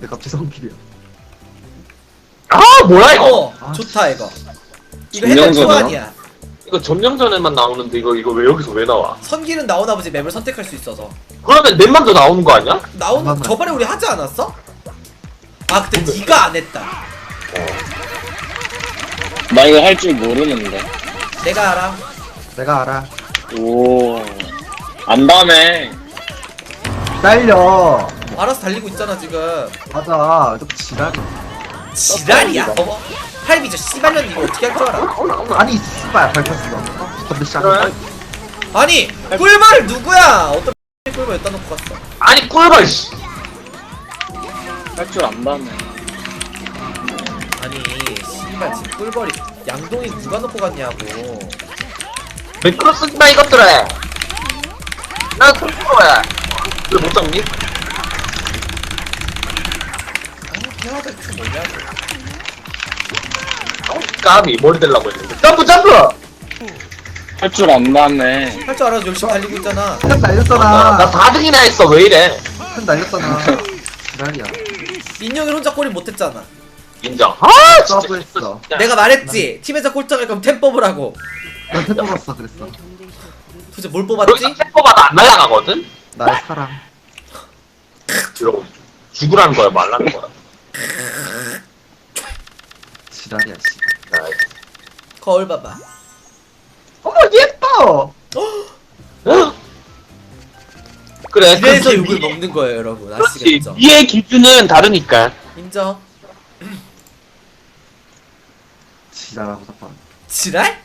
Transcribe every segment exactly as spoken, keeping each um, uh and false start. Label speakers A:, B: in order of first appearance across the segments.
A: 내 갑자기 성길이야.
B: 아 뭐야 이거?
C: 어 좋다 이거. 이거
D: 점령전이야?
C: 해달 초안이야.
B: 이거 점령전에만 나오는데 이거 이거 왜 여기서 왜 나와?
C: 선기는 나오나 보지 맵을 선택할 수 있어서.
B: 그러면 넷만 더 나오는 거 아니야?
C: 나오는
A: 잠깐만.
C: 저번에 우리 하지 않았어? 아 근데 네가 안 했다.
D: 나 이거 할 줄 모르는데.
C: 내가 알아.
A: 내가 알아.
D: 오. 안다네.
A: 딸려.
C: 알아서 달리고 있잖아 지금.
A: 맞아. 좀 지랄이.
C: 지랄이야. 어머. 할비 저 씨발년 이거 어떻게 할 줄 알아?
A: 아니 씨발 밟혔어. 근데 시작.
B: 그래?
C: 아니 꿀벌 누구야? 어떤 꿀벌 여기다 놓고 갔어.
B: 아니 꿀벌 씨.
D: 할 줄 안다네.
C: 아니 씨발 지금 꿀벌이 양동이 누가 놓고 갔냐고.
B: 매크로스나 이것들아. 나 꿀벌이야. 왜못 잡니?
C: 아 태화들 그 뭐냐고.
B: 어, 까비 머리 대려고 했는데. 점프 점프.
D: 할 줄 안다네.
C: 할 줄 알아서 열심히 달리고 있잖아.
A: 편
B: 나,
A: 날렸잖아.
B: 나 사 등이나 했어 왜 이래?
A: 편 날렸잖아. 지랄이야.
C: 민영이 혼자 골인 못했잖아.
B: 인정. 아 진짜.
A: 서브했어.
B: 진짜.
C: 내가 말했지. 팀에서 꼴등할 거면 템 뽑으라고.
A: 나템 뽑았어 그랬어.
C: 도대체 뭘 뽑았지?
B: 여기서 템포마다 안 날아가거든?
A: 나의 사랑.
B: 이러고 죽으라는 거야 말라는 거야.
A: 지랄이야 씨.
B: 아,
C: 거울 봐봐.
A: 어머 예뻐.
B: 어? 그래
C: 이래서
B: 그렇지,
C: 욕을
B: 위-
C: 먹는 거예요 여러분.
B: 그렇지
C: 아시겠죠?
B: 위의 기준은 다르니까.
C: 인정.
A: 지랄하고 자빠.
C: 지랄?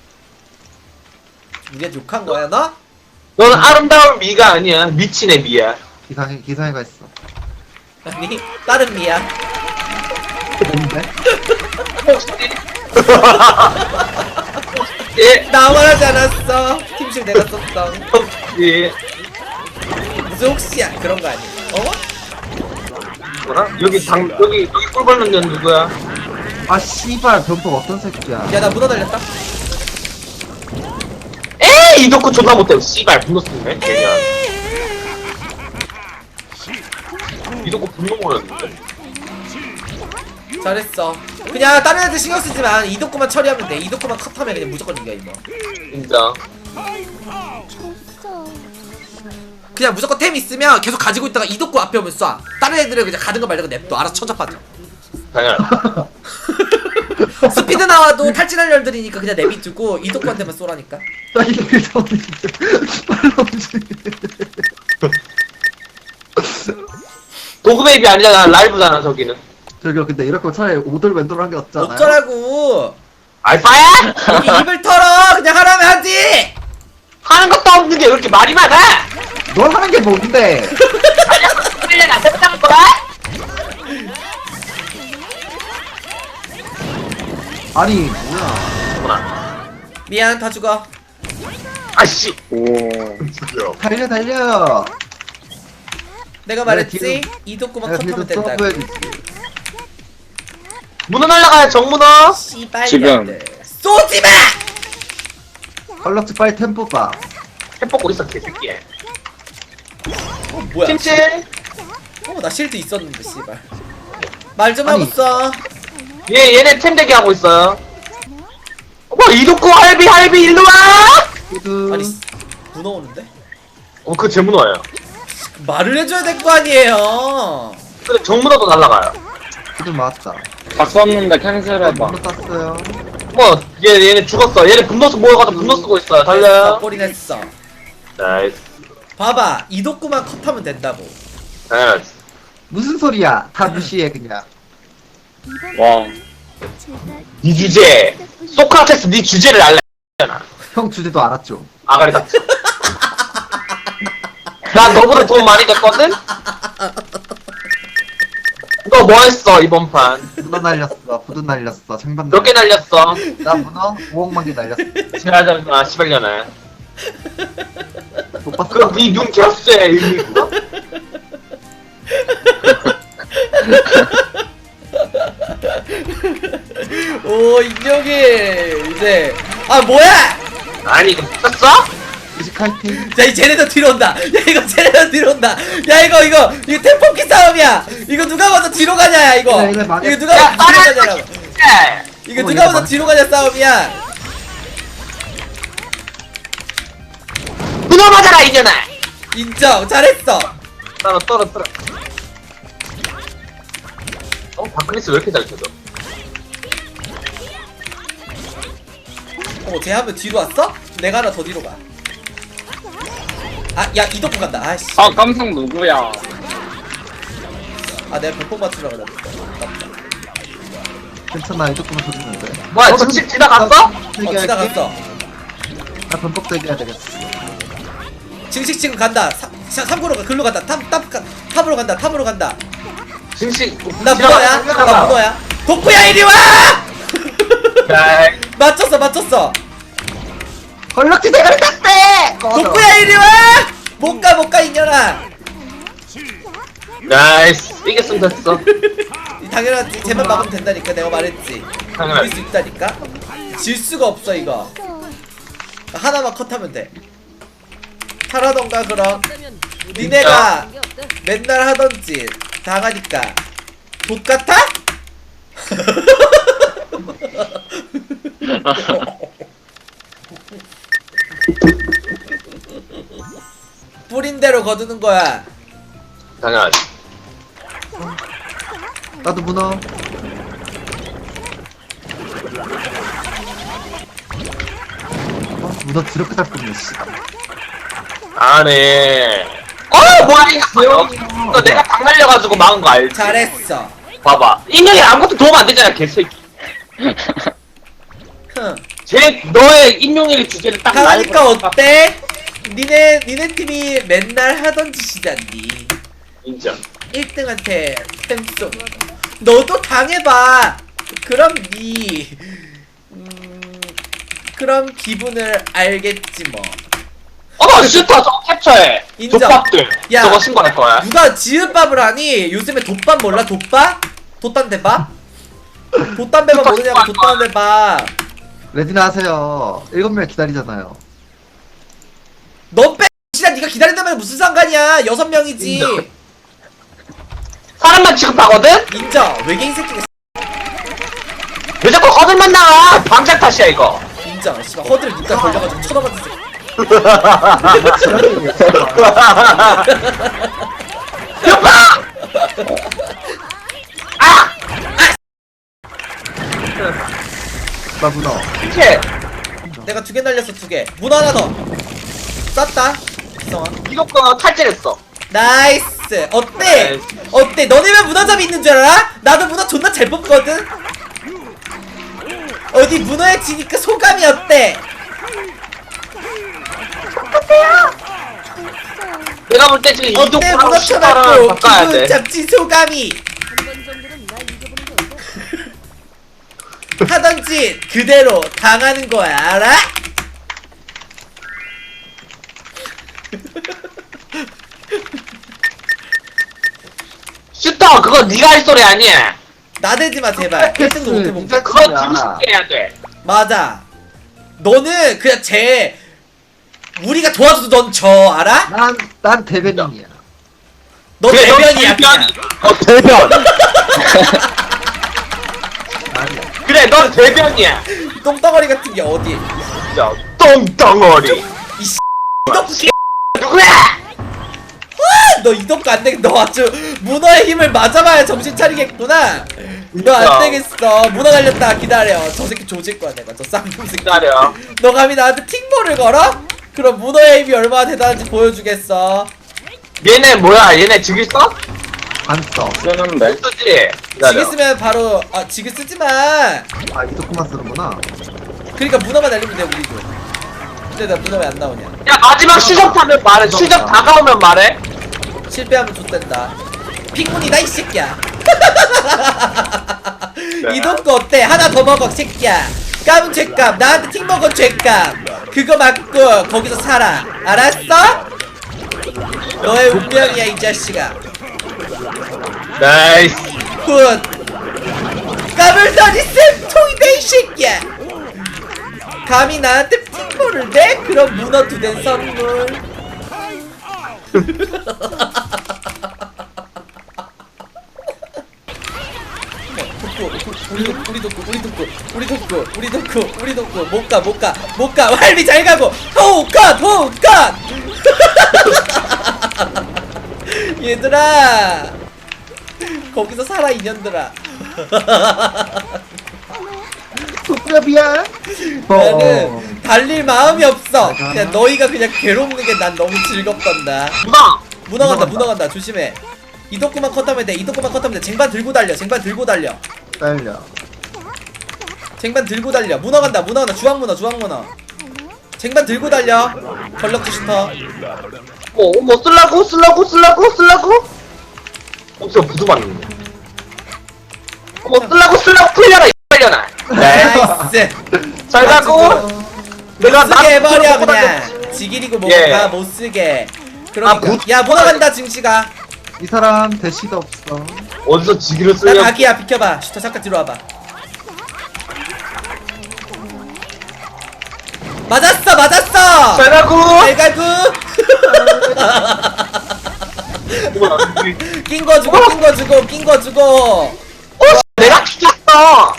C: 우리한테 욕한 거야 너?
B: 너는 아름다운 미가 아니야 미친의 미야.
A: 기상해 기상해가 있어.
C: 아니 다른 미야.
A: 뭔데?
B: 예.
C: 나만 하지 않았어. 팀실 내가 썼어.
B: 예.
C: 무슨 혹시야 그런 거 아니야? 어?
B: 뭐라? 여기 당 여기 여기 꿀 벌는 년 누구야?
A: 아 씨발 변폭 어떤 새끼야.
C: 야 나 문어 날렸다.
B: 에이 이덕후 존나 못해. 씨발 분노 쓰네. 개년. 이덕후 분노 모였는데.
C: 잘했어. 그냥 다른 애들 신경 쓰지만 이도코만 처리하면 돼. 이도코만 컷하면 그냥 무조건 이겨 이거.
B: 인정.
C: 그냥 무조건 템 있으면 계속 가지고 있다가 이도코 앞에 오면 쏴. 다른 애들은 그냥 가는 거 말고 냅둬. 알아서 천잡하죠.
B: 당연.
C: 스피드 나와도 탈진할 열들이니까 그냥 내비두고 이도코한테만 쏘라니까.
A: 나 이렇게 졌는데 빨로 움직여.
B: 도그베이비 아니잖아 라이브잖아 저기는.
A: 저기요 근데 이럴 거면 차라리 오돌 왼돌 한 게 없잖아요.
C: 어쩌라고.
B: 알파야?
C: 여기 입을 털어. 그냥 하라면 하지.
B: 하는 것도 없는 게 왜 이렇게 말이 많아?
A: 넌 하는 게 뭔데?
B: 빨리 안 됐다는 거야?
A: 아니 뭐야.
B: 뭐나?
C: 미안 다 죽어.
B: 아씨.
D: 오.
A: 달려 달려.
C: 내가 말했지.
A: 뒤로-
C: 이도코만
A: 내가
C: 컷하면
A: 뒤에서
C: 된다고.
A: 서브해주지.
B: 문어 날라가요 정문어.
C: 씨발
D: 지금.
C: 년들. 쏘지마.
A: 얼럭지 빨리 템포 봐.
B: 햄버거 있어 개새끼야.
C: 어 뭐야?
B: 찜찜.
C: 어나 실드 있었는데 씨발. 말 좀
A: 아니.
C: 하고 써.
B: 얘 얘네 템 대기 하고 있어요. 어머 이덕후 할비 할비 일로 와.
A: 후드.
C: 아니 문어 오는데?
B: 어 그 제 문어예요.
C: 말을 해줘야 될 거 아니에요.
B: 근데 정문어도 날라가요.
A: 후드 맞았다.
D: 박 썼는데 캔슬해봐.
A: 물로 땄어요.
B: 뭐 얘 얘네 죽었어. 얘네 분노 쓰 모여가지고 분노 쓰고 있어요. 달려요.
C: 꼴이 냈어.
B: 나이스.
C: 봐봐 이도구만 컷하면 된다고.
B: 나이스.
A: 무슨 소리야? 다 무시해 그냥.
D: 와.
B: 네 주제. 소크라테스 네 주제를 알래.
A: 형 주제도 알았죠.
B: 아가리 닥쳐. 난 너보다 돈 많이 됐거든? 너 뭐 했어 이번 판?
A: 문어 날렸어. 후드 날렸어. 창반
B: 몇 개 날렸어?
A: 나 문어 오억만 개 날렸어.
B: 지나자 아 시발년아.
A: 못 봤어.
B: 그럼 네눈 개수의 의미구나?
C: 오 인형이 이제 아 뭐야?
B: 아니 이거 미쳤어?
A: 이제 파이팅.
C: 야, 이 쟤네도 뒤로 온다. 야, 이거 쟤네도 뒤로 온다. 야, 이거 이거 이거 템포키 싸움이야. 이거 누가 먼저 뒤로 가냐, 이거.
A: 야, 이거 망했-
C: 이거 누가
B: 야,
C: 먼저 뒤로
B: 말해!
C: 가냐라고.
B: 예.
C: 이거
A: 어,
C: 누가
A: 이거
C: 먼저
A: 망-
C: 뒤로 가냐 싸움이야.
B: 문어 맞아라 이년아.
C: 인정. 잘했어.
B: 떨어 떨어 떨어. 어 바크리스 왜 이렇게 잘 쳐져?
C: 어, 쟤 한 번 뒤로 왔어? 내가 하나 더 뒤로 가. 아, 야, 이덕구 간다. 아씨.
D: 아 깜짝 누구야?
C: 아, 내가 백폭 맞추려고 그랬다. 아깝다.
A: 괜찮아, 이 조금만 쳐주면 돼.
B: 뭐야
A: 어,
B: 저 집 지나갔어?
C: 어, 지나갔어.
A: 나 변폭 대기해야 되겠어.
C: 증식 지금 간다. 삼 구로 가. 글로 간다. 탑, 탑, 가- 탑으로 간다. 탑으로 간다.
B: 진식.
C: 나 문어야. 나 문어야. 덕구야, 이리 와!
B: 야,
C: 맞췄어, 맞췄어.
A: 헐럭지 대가리 땄대!
C: 덕구야, 이리 와! 못 가, 못 가, 이년아.
B: 나이스. 이겼으면 됐어.
C: 당연하지. 쟤만 막으면 된다니까. 내가 말했지.
B: 당연하지.
C: 이길 수 있다니까. 질 수가 없어, 이거. 하나만 컷하면 돼. 하라던가, 그럼. 니네가 맨날 하던지 당하니까 돛 같아? 뿌린 대로 거두는 거야.
B: 당연하지.
A: 나도 문어. 어, 문어 드럽게 잘 뽑네, 씨.
B: 아네. 어 뭐야 이거. 너 내가 방 날려가지고 막은 거 알지?
C: 잘했어.
B: 봐봐. 인형이 아무것도 도움 안 되잖아 개새끼.
C: 흥.
B: 제 너의 인용일 주제를 딱
C: 당하니까
B: 날고
C: 어때? 니네 니네 팀이 맨날 하던 짓이잖니.
B: 인정.
C: 일 등한테 템송. 너도 당해봐. 그럼 니 음, 그럼 기분을 알겠지 뭐.
B: 어 슈터 저거 캡처해.
C: 인정.
B: 족밥들.
C: 야.
B: 저거 신고할 거야.
C: 누가 지읒밥을 하니? 요즘에 돛밥 몰라? 돛밥? 돛담배밥? 돛담배밥 모르냐고. 돛담배밥.
A: 레디나 하세요. 일곱 명 기다리잖아요.
C: 넌 빼. 씨나 네가 기다린다면 무슨 상관이야? 여섯 명이지.
B: 인정. 사람만 취급하거든?
C: 인정. 외계인 새끼가
B: 왜 자꾸 허들만 나와? 방장 탓이야 이거.
C: 인정. 씨발 허들 눈깔 걸려가지고 쳐다봤는 새끼.
B: 여봐! 아!
A: 나 문어.
B: 이렇게
C: 내가 두 개 날렸어, 두 개. 문 하나 더. 쐈다. 기성아.
B: 이거 탈진했어.
C: 나이스. 어때?
B: 나이스.
C: 어때? 너네만 문어잡이 있는 줄 알아? 나도 문어 존나 잘 뽑거든. 어디 문어에 지니까 소감이 어때?
B: 내가 볼 때 지금
C: 어때?
B: 이동하고
C: 문어
B: 슈터랑
C: 쳐맞고
B: 바꿔야
C: 기분
B: 돼.
C: 잡지 소감이. 하던 짓 그대로 당하는 거야, 알아?
B: 슈터 그거 네가 할 소리 아니야.
C: 나대지 마 제발. 일 등도 못해 본 거.
B: 그거 들고 싶게 해야 돼.
C: 맞아. 너는 그냥 쟤 우리가 도와줘도 넌 져, 알아?
A: 난, 난 대변인이야.
C: 너
B: 그래, 넌
C: 대변이야. 그냥.
B: 어 대변.
A: 아니야.
B: 그래 넌 대변이야.
C: 똥덩어리 같은 게 어디?
B: 진짜 똥덩어리.
C: 이씨 이덕기.
B: 누구야?
C: 너 이덕기 안 되겠. 너 아주 문어의 힘을 맞아봐야 정신 차리겠구나. 너 안 되겠어. 문어 날렸다 기다려. 저 새끼 조질 거야 내가. 저 쌍놈 새끼.
B: 기다려.
C: 너 감히 나한테 팅볼을 걸어? 그럼 문어의 힘이 얼마나 대단한지 보여주겠어.
B: 얘네 뭐야? 얘네 지기 써?
A: 안 써.
D: 쓰는데.
B: 못 쓰지.
C: 지게
B: 기다려.
C: 쓰면 바로 아 지게 쓰지 마.
A: 아, 이 조금만 쓰는구나.
C: 그러니까 문어만 날리면 돼 우리도. 근데 나 문어 왜 안 나오냐?
B: 야 마지막 추적 타면 말해. 추적 다가오면 말해.
C: 실패하면 좆된다. 핑문이다 이 새끼야. 이동거 어때? 하나 더 먹어 새끼야. 깜은 죄값. 나한테 팅 먹은 죄값. 그거 맞고 거기서 살아. 알았어? 너의 운명이야 이 자식아.
B: 나이스.
C: 굿. 까불더니 쌤통이다 이 새끼야. 감히 나한테 팅볼을 내? 그럼 문어 두 된 선물. 우리 덕구 우리 덕구 우리 덕구 우리 덕구 우리 덕구 우리 덕구 못가 못가 못가 활비 잘 가고 호흡컷 호흡컷. 얘들아 거기서 살아 이년들아.
A: 국밥이야.
C: 나는 달릴 마음이 없어. 그냥 너희가 그냥 괴롭는 게 난 너무 즐겁단다.
B: 문어!
C: 문어 간다 문어 간다 조심해. 이덕구만 컷하면 돼 이덕구만 컷하면 돼. 쟁반 들고 달려 쟁반 들고 달려
A: 딸려.
C: 쟁반 들고 달려. 문어 간다 문어 간다 주황 문어 주황 문어. 쟁반 들고 달려. 전력 주시터.
B: 어, 뭐 쓸라고? 쓸라고? 쓸라고? 쓸라고? 어, 저 부두 맞는데. 뭐 쓸라고? 쓸라고? 풀려라, 이 빨려나.
C: 나이스.
B: 잘 가고. 내가
C: 못쓰게 해버려
B: 나
C: 그냥. 지기리고 뭐가
B: 예.
C: 못쓰게. 그러니까
B: 아, 못-
C: 야 문어 간다 증시가.
A: 이 사람 대시도 없어.
B: 어디서 지기를
C: 나
B: 쓰려?
C: 각이야 비켜봐. 슈터 잠깐 뒤로 와봐. 맞았어 맞았어.
B: 잘 가고.
C: 잘 가고. 낀 거 주고 낀 거 주고 낀 거 주고.
B: 어, 내가 죽였어.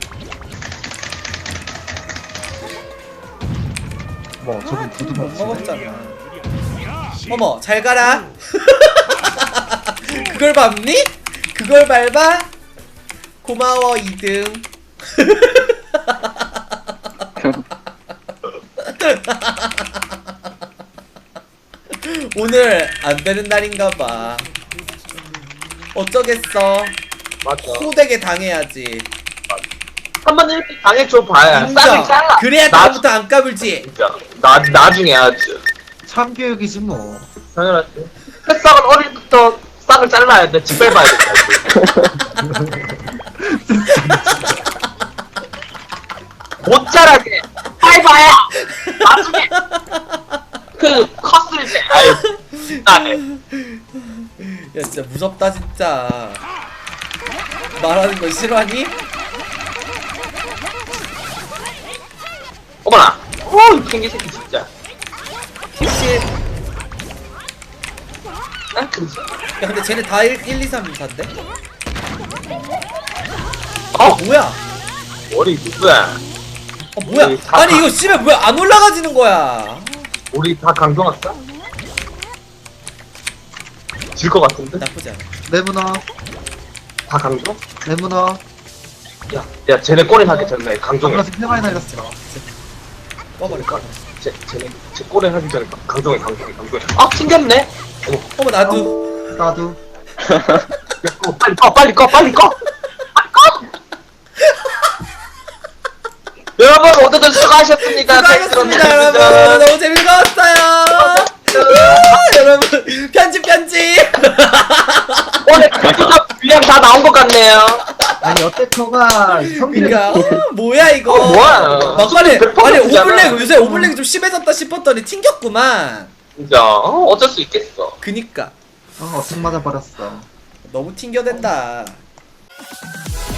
A: 뭐 저기 부두
C: 못
A: 먹지.
C: 먹었잖아. 어머 잘 가라. 그걸 밟니? 그걸 밟아? 고마워 이 등. 오늘 안 되는 날인가봐. 어쩌겠어.
B: 맞아.
C: 호되게 당해야지.
B: 한번 이렇게 당해줘 봐야. 싹을
C: 인정.
B: 잘라.
C: 그래야
B: 나-
C: 다음부터 안 까불지.
B: 진짜. 나, 나중에 아주.
A: 참교육이지 뭐.
B: 당연하지. 새싹은 어릴 때부터 싹을 잘라야 돼. 집 밟아야 돼. 못 자라게 밟아야 나중에 그 컸을 때 아유 나네.
C: 야 진짜 무섭다 진짜. 말하는 거 싫어하니?
B: 어머나. 어이 팽기 새끼 진짜.
C: 킥실.
B: 난 그지.
C: 야 근데 쟤네 다 일, 일 이, 삼, 사인데?
B: 어
C: 뭐야?
B: 머리 누구야?
C: 어 뭐야?
B: 우리 다
C: 아니
B: 가-
C: 이거 씨발 뭐야 안 올라가지는 거야.
B: 우리 다 강경 할까? 질 것 같은데?
C: 나쁘지 않아.
A: 내 문어.
B: 다 강경?
A: 내 문어.
B: 야, 야 쟤네 꼬리 하기 전에 강경해.
A: 방금 꽤 많이 날렸어.
C: 꺼버릴까?
B: 쟤 쟤네 쟤 꼬리 하기 전에 강경해 강경해 강경해. 아 튕겼네. 어머.
C: 어머 나도.
A: 나도.
B: 야, 꺼, 빨리 꺼, 빨리 꺼, 빨리 꺼! 빨리 꺼! 여러분, 모두들 수고하셨습니다.
C: 수고하셨습니다 여러분. 너무 재밌었어요. 우, 여러분 편집 편집.
B: 오늘 그냥 분량 다 나온 것 같네요.
A: 아니 어때커가 성질이
C: 그니까 어, 뭐야 이거.
B: 어, 뭐야.
C: 막판에
B: 백
C: 아니
B: 퍼센트잖아.
C: 오블랙 요새 오블랙이 좀 심해졌다 싶었더니 튕겼구만.
B: 진짜, 어, 어쩔 수 있겠어.
C: 그니까
A: 어 어떻게 맞아 버렸어.
C: 너무 튕겨댄다.